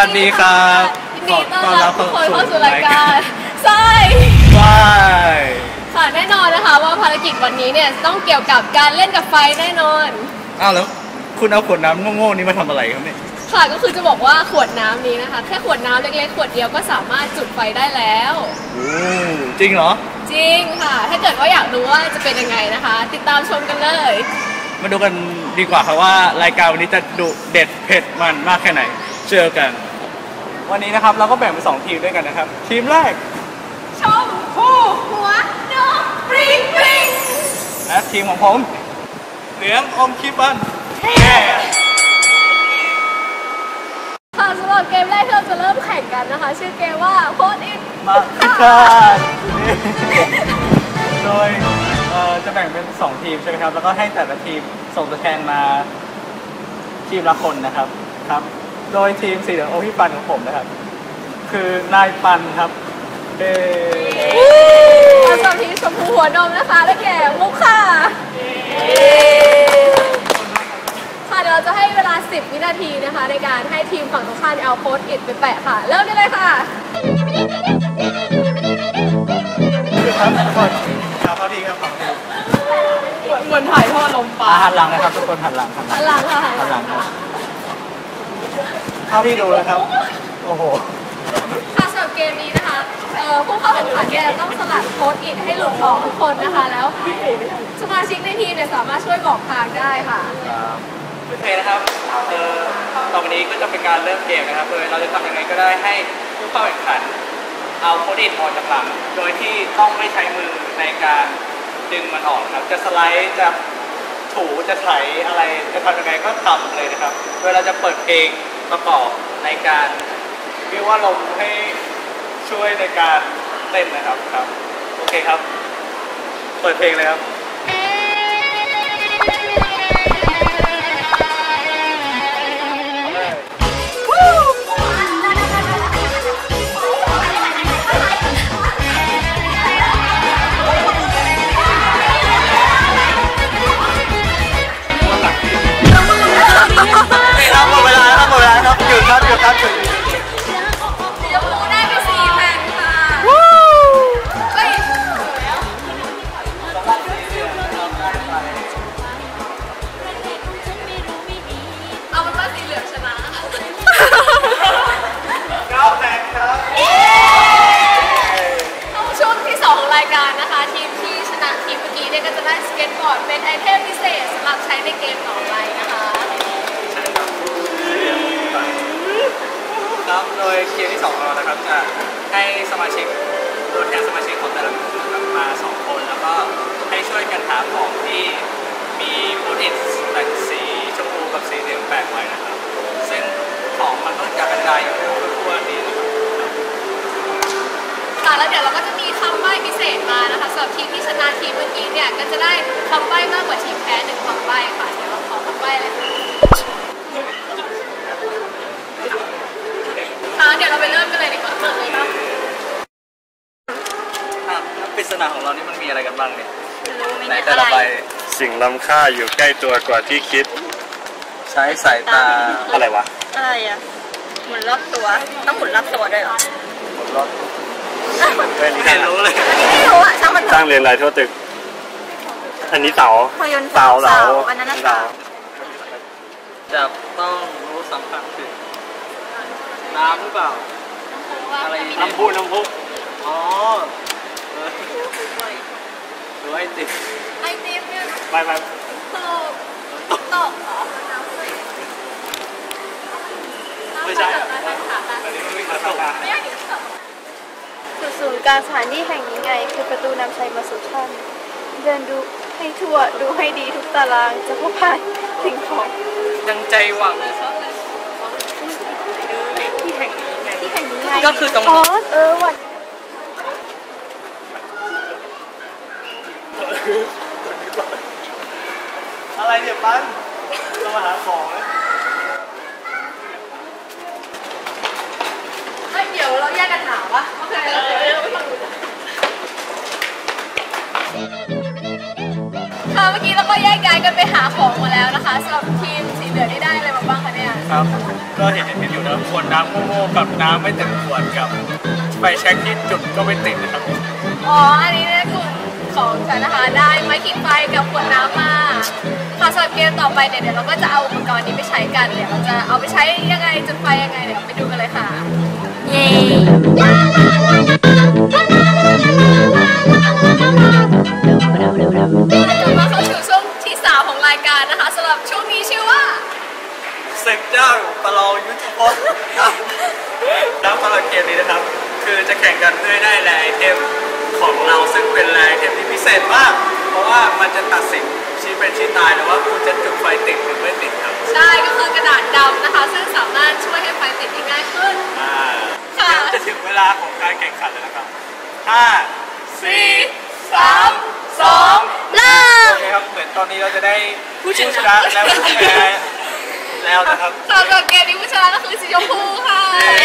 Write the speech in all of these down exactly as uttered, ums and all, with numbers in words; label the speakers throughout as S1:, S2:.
S1: วัสดีครับ
S2: ยินดีต้อนรับทุกคนเข้าสู่รายการใช่ค่ะแน่นอนนะคะว่าภารกิจวันนี้เนี่ยต้องเกี่ยวกับการเล่นกับไฟแน่นอน
S1: อ้าวแล้วคุณเอาขวดน้ำโง่ๆนี้มาทำอะไรครับเนี่ย
S2: ค่ะก็คือจะบอกว่าขวดน้ำนี้นะคะแค่ขวดน้ำเล็กๆขวดเดียวก็สามารถจุดไฟได้แล้ว
S1: จริงเหรอ
S2: จริงค่ะถ้าเกิดว่าอยากรู้ว่าจะเป็นยังไงนะคะติดตามชมกันเลย
S1: มาดูกันดีกว่าครับว่ารายการวันนี้จะดุเด็ดเผ็ดมันมากแค่ไหนเจอกันวันนี้นะครับเราก็แบ่งเป็นสองทีมด้วยกันนะครับทีมแรก
S2: ชมพู่หัวนกปริงปริง
S1: และทีมของผมเหลืองอมคิบัน
S2: ค่ะสำหรับเกมแรกที่เราจะเริ่มแข่งกันนะคะชื่อเกมว่าโคตรอิน
S1: มาพิฆาตโดยจะแบ่งเป็นสองทีมใช่ไหมครับแล้วก็ให้แต่ละทีมส่งตัวแทนมาทีมละคนนะครับครับโดยทีมสีเหลืองโอพี่ปันของผมนะครับคือนายปันครับเอ
S2: แล้วส่วนทีมชมพูหัวนมนะคะได้แก่มุกค่ะค่ะเดี๋ยวเราจะให้เวลาสิบวินาทีนะคะในการให้ทีมฝั่งตรงข้ามเอาโค้ดอิดไปแปะค่ะเริ่มได้เลยค่ะ
S1: ครับทุกคนครับเขาดีครับฝั่งทีม
S2: เหมือนถ่ายทอดลมปลา
S1: หันหลังนะครับทุกคนหันหลัง
S2: หันหลังค่ะ
S1: หันหลังครับเท่าที่ดูนะครับโอ้โห
S2: ค่ะสำหรับเกมนี้นะคะผู้เข้าแข่งขันเนี่ยต้องสลัดโค้ดอิดให้หลุดออกทุกคนนะคะแล้วสมาชิกในทีมเนี่ยสามารถช่วยบอกทางได้ค่ะ
S1: โอเคนะครับต่อไปนี้ก็จะเป็นการเริ่มเกมนะครับโดยเราจะทำยังไงก็ได้ให้ผู้เข้าแข่งขันเอาโค้ดอิดออกจากหลังโดยที่ต้องไม่ใช้มือในการดึงมันออกครับจะสไลด์จะถูจะไถอะไรจะทำยังไงก็ทำเลยนะครับโดยเราจะเปิดเพลงประกอบในการเรียกว่าลมให้ช่วยในการเต้นนะครับครับโอเคครับเปิดเพลงเลยครับหมดเวลาแล้วครับหมดเวลาครับหยุดครับหยุดครับหยุด
S2: ยกมือได้ไปสี่แผ่นค่ะเฮ้ยเอาเป็นว่าสีเหลืองชนะ
S1: เก้าแผ่นครับ
S2: ช่วงที่สองของรายการนะคะทีมที่ชนะทีมเมื่อกี้เนี่ยก็จะได้สเก็ตบอร์ดเป็นไอเทมพิเศษสำหรับใช้ในเกมต่อไปนะคะ
S1: ครับโดยเกมที่สองของเรานะครับจะให้สมาชิกตัวแทนสมาชิกของแต่ละกลุ่มมาสองคนแล้วก็ให้ช่วยกันหาของที่มีโปรตีนแต่งสีชมพูกับสีเหลืองแปะไว้นะครับซึ่งของมันก็จะกระจายอยู่ทั่วนี้นะครับ
S2: ค่ะแล้วเดี๋ยวเราก็จะมีคำใบ้พิเศษมานะคะสำหรับทีมที่ชนะทีมเมื่อกี้เนี่ยก็จะได้คำใบ้มากกว่าทีมแพ้หนึ่งคำใบ้ค่ะเดี๋ยวเราขอคำใบ้เลยค่ะเดี๋ยวเราไปเริ่มกันเลยดีกว่าเปิดเลยครับ
S1: ปริศนาของเรานี่มันมีอะไรกันบ้างเนี่ย
S2: ในแต่ละใบ
S3: สิ่งล้ำค่าอยู่ใกล้ตัวกว่าที่คิด
S1: ใช้สายตา
S3: อะไรวะ
S2: อะไรอ่ะหมุนรอบตัวต้องหมุนรอบตัวด้วยเหรอ
S1: หมุนรอบไม่รู้เลย
S2: ไม่รู้อ่ะช่างมัน
S3: สร้างเรียนรายทั่วตึกอันนี้เสา
S2: เสาเสาอันนั้นเสา
S1: จะต้องรู้สัมผัสถึงน้ำหรือเปล่าอะไรน้ำพุน้ำพุอ๋อหรือไอติม
S2: ไอติมเนี่ย
S1: ไปไป
S2: ตกตกเหรอ
S1: ไม่ใช่อันนี้ไม่มาตก
S2: ไม่ใช่
S4: จุดศูนย์กลางสถานที่แห่งนี้ไงคือประตูนำชัยมาสู่ท่านเดินดูให้ทั่วดูให้ดีทุกตารางจะพบผ่านสิ่งของ
S1: ยังใจหวัง
S4: ที่แห่งนี้ไงที่แห่งนี้ไง
S1: ก็คือตรง
S4: อ๋อเออวัน
S1: อะไรเนี่ยปั้นเรามาหาของนะ
S2: เฮ้ยเดี๋ยวเราแยกกันถามวะโอเคเราเดี๋ยวเราไปฟังดูค่ะเมื่อกี้เราก็แยกย้ายกันไปหาของมาแล้วนะคะสำหรับทีมสีเหลืองนี่ได้อะไรมาบ้างคะเนี่ย
S1: คนะครับ ก็เห็นเห็นอยู่นะขวดน้ำโง่ๆกับน้ำไม่เต็มขวดกับไฟแช็กที่จุดก็ไม่ติดนะครับ
S2: อ๋อ อันนี้เนี่ยกลุ่มของฉันนะคะได้ไม้ขีดไฟกับขวดน้ำมาค่ะสำหรับเกมต่อไปเนี่ยเดี๋ยวเราก็จะเอาอุปกรณ์นี้ไปใช้กันเดี๋ยวเราจะเอาไปใช้ยังไงจุดไฟยังไงเดี๋ยวไปดูกันเลยค่ะเย้มาเข้าสู่ช่วงที่สามของรายการนะคะสำหรับช่วงนี้ชื่อว่า
S1: ศึกเจ้าประลองยุทธภพแล้วสำหรับเกมนี้นะครับคือจะแข่งกันเพื่อได้แร่ไอเทมของเราซึ่งเป็นแร่ไอเทมที่พิเศษมากเพราะว่ามันจะตัดสินชี้เป็นชี้ตายหรือว่าคุณจะจุดไฟติดหรือไม่ติดครับ
S2: ใช่ก็คือกระดาษดำนะคะซึ่งสามารถช่วยให้ไฟติดได้ง่ายขึ้น
S1: อ่าจะถึงเวลาของการแข่งขันแล้วนะครับห้าสี่สามสองเริ่มโอเคครับเหมือนตอนนี้เราจะได้ผู้ชนะและผู้แพ้แล้วนะครับ
S2: สำหรับเกมนี้ผู้ชนะก็คือสีชมพูค่ะ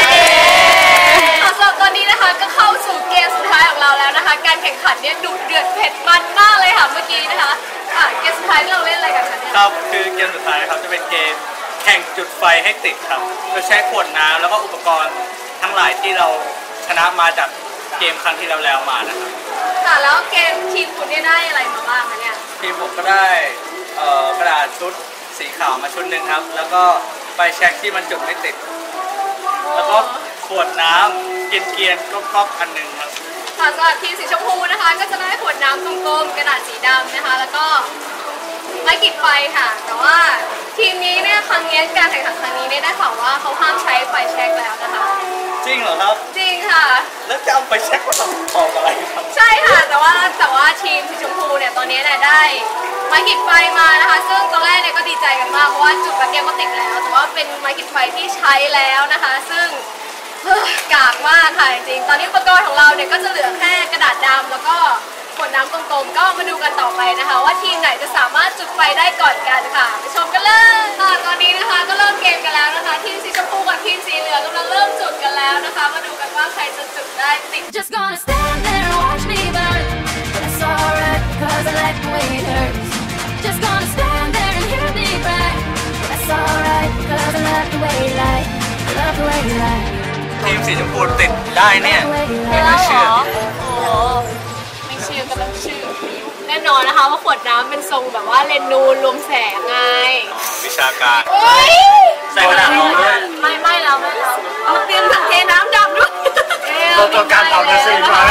S2: สำหรับตอนนี้นะคะก็เข้าสู่เกมสุดท้ายของเราแล้วนะคะการแข่งขันเนี่ยดุเดือดเผ็ดมันมากเลยค่ะเมื่อกี้นะคะอ่ะเกมสุดท้ายที่เราเล่นอะไรกันคะเนี่ย
S1: ครับคือเกมสุดท้ายครับจะเป็นเกมแข่งจุดไฟให้ติดครับโดยใช้ขวดน้ำแล้วก็อุปกรณ์ทั้งหลายที่เราชนะมาจากเกมครั้งที่เราแล้วมานะครับ
S2: ค่ะแล้วเกมทีมคุณเนี่ยได้อะไรมาบ้างคะเนี่ย
S1: ทีมผมก็ได้กระดาษชุดสีขาวมาชุดหนึ่งครับแล้วก็ไฟแช็กที่มันจุดไม่ติดแล้วก็ขวดน้ำเกลียนๆก๊อกๆอันหนึ่งครับ
S2: ค่ะสำหรับทีมสีชมพูนะคะก็จะได้ขวดน้ำกลมๆกระดาษสีดำนะคะแล้วก็ไม้ขีดไฟค่ะแต่ว่าทีมนี้เนี่ยครั้งนี้การแข่งขันครั้งนี้เนี่ยได้ข่าวว่าเขาห้ามใช้ไฟแช็กแล้วนะคะ
S1: จริงเหรอครับ
S2: จริงค่ะ
S1: แล้วจะเอาไฟแช็กมาทำของอะไรครับ
S2: ใช่ค่ะแต่ว่าแต่ว่าทีมสีชมพูเนี่ยตอนนี้เนี่ยได้ไม้ขีดไฟมานะคะซึ่งตอนแรกเนี่ยก็ดีใจกันมากเพราะว่าจุดแป๊บเดียวก็ติดแล้วแต่ว่าเป็นไม้ขีดไฟที่ใช้แล้วนะคะซึ่งกากมากค่ะจริงๆตอนนี้อุปกรณ์ของเราเนี่ยก็จะเหลือแค่กระดาษดำแล้วก็ขวดน้ำกลมๆก็มาดูกันต่อไปนะคะว่าทีมไหนจะสามารถจุดไฟได้ก่อนกันค่ะไปชมกันเลยค่ะตอนนี้นะคะก็เริ่มเกมกันแล้วนะคะทีมสีชมพูกับทีมสีเหลืองกำลังเริ่มจุดกันแล้วนะคะมาดูกันว่าใครจะจุดได้ติด Just gonna stand there and watch me burn It's alright cause I like the way it hurts Just gonna stand there and hear me burn That's alright cause I love the way you lie I love the way you lie ทีมสีชมพูติดได้เนี่ยไม่น่าเชื่อโอ้ไม่เชื่อก็ต้องเชื่อแน่นอนนะคะว่าขวดน้ำเป็นทรงแบบว่าเลนนูนรวมแสงไง
S1: วิชาการ
S2: ใส่กระดาษรองด้วยไม่ไม่เราไม่เราเอาเตรียมถังเทน้ำดำด้วย
S3: เราต้องการทำกระสีมา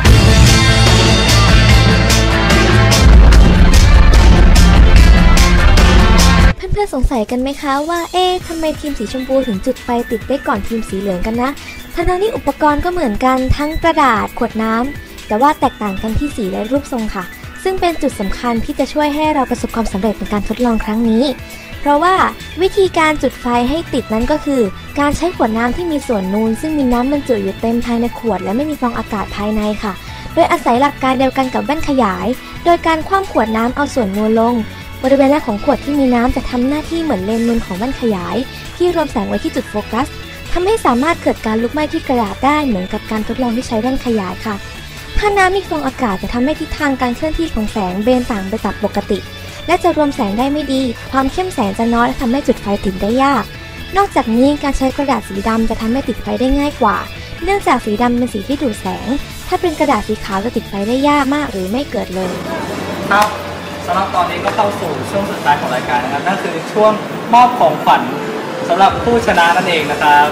S5: เพื่อนๆสงสัยกันไหมคะว่าเอ๊ะทำไมทีมสีชมพูถึงจุดไฟติดได้ก่อนทีมสีเหลืองกันนะทั้งๆที่อุปกรณ์ก็เหมือนกันทั้งกระดาษขวดน้ำแต่ว่าแตกต่างกันที่สีและรูปทรงค่ะซึ่งเป็นจุดสำคัญที่จะช่วยให้เราประสบความสำเร็จในการทดลองครั้งนี้เพราะว่าวิธีการจุดไฟให้ติดนั้นก็คือการใช้ขวดน้ำที่มีส่วนนูนซึ่งมีน้ำบรรจุอยู่เต็มภายในขวดและไม่มีฟองอากาศภายในค่ะโดยอาศัยหลักการเดียวกันกับแว่นขยายโดยการคว่ำขวดน้ำเอาส่วนนูนลงบริเวณแรกของขวดที่มีน้ำจะทำหน้าที่เหมือนเลนส์นูนของแว่นขยายที่รวมแสงไว้ที่จุดโฟกัสทำให้สามารถเกิดการลุกไหม้ที่กระดาษได้เหมือนกับการทดลองที่ใช้แว่นขยายค่ะถ้าน้ำมีฟองอากาศจะทำให้ทิศทางการเคลื่อนที่ของแสงเบนต่างไปจากปกติและจะรวมแสงได้ไม่ดีความเข้มแสงจะน้อยและทำให้จุดไฟติดได้ยากนอกจากนี้การใช้กระดาษสีดำจะทำให้ติดไฟได้ง่ายกว่าเนื่องจากสีดำเป็นสีที่ดูดแสงถ้าเป็นกระดาษสีขาวจะติดไฟได้ยากมากหรือไม่เกิดเลย
S1: ครับสำหรับตอนนี้ก็เข้าสู่ช่วงสุดท้ายของรายการนะครับนั่นคือช่วงมอบของขวัญสำหรับผู้ชนะนั่นเองนะครับ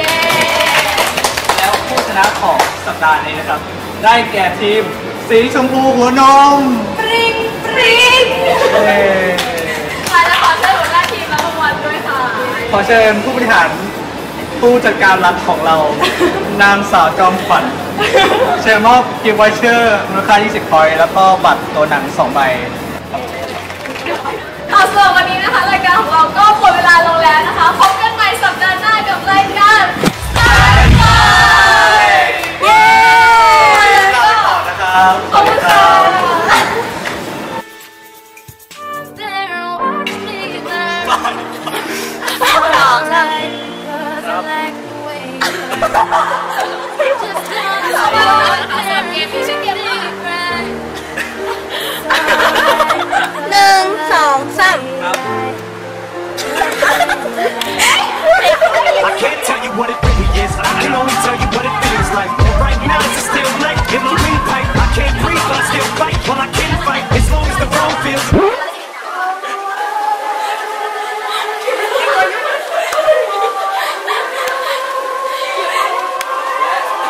S1: แล้วผู้ชนะของสัปดาห์นี้นะครับได้แก่ทีมสีชมพูหัวนม
S2: ปริงปริงค่ะและขอเชิญหัวหน้าทีมรับรางวัลด้วยค่ะ
S1: ขอเชิญผู้บริหารผู้จัดการรัฐของเรา นางสาวจอมขวัญเชิญมอบกิฟต์วอเชอร์มูลค่ายี่สิบพอยต์แล้วก็บัตรตัวหนังสองใบ
S2: เอาส่วนวันนี้นะคะรายการของเราก็หมดเวลาลงแล้วนะคะพบกันใหม่สัปดาห์หน้ากับรายการสายไฟเย้
S1: ลาไปก่อนนะครับ
S2: ขอบคุณค่ะ
S4: หนึ่งสองสาม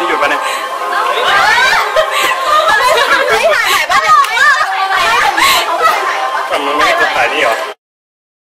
S3: หยุดปะเนี่ย
S2: ไม่ถ่ายบ้านเด็กไม่ถ่าย
S3: ทำมันไม่ได้ถ่ายนี่เหรอ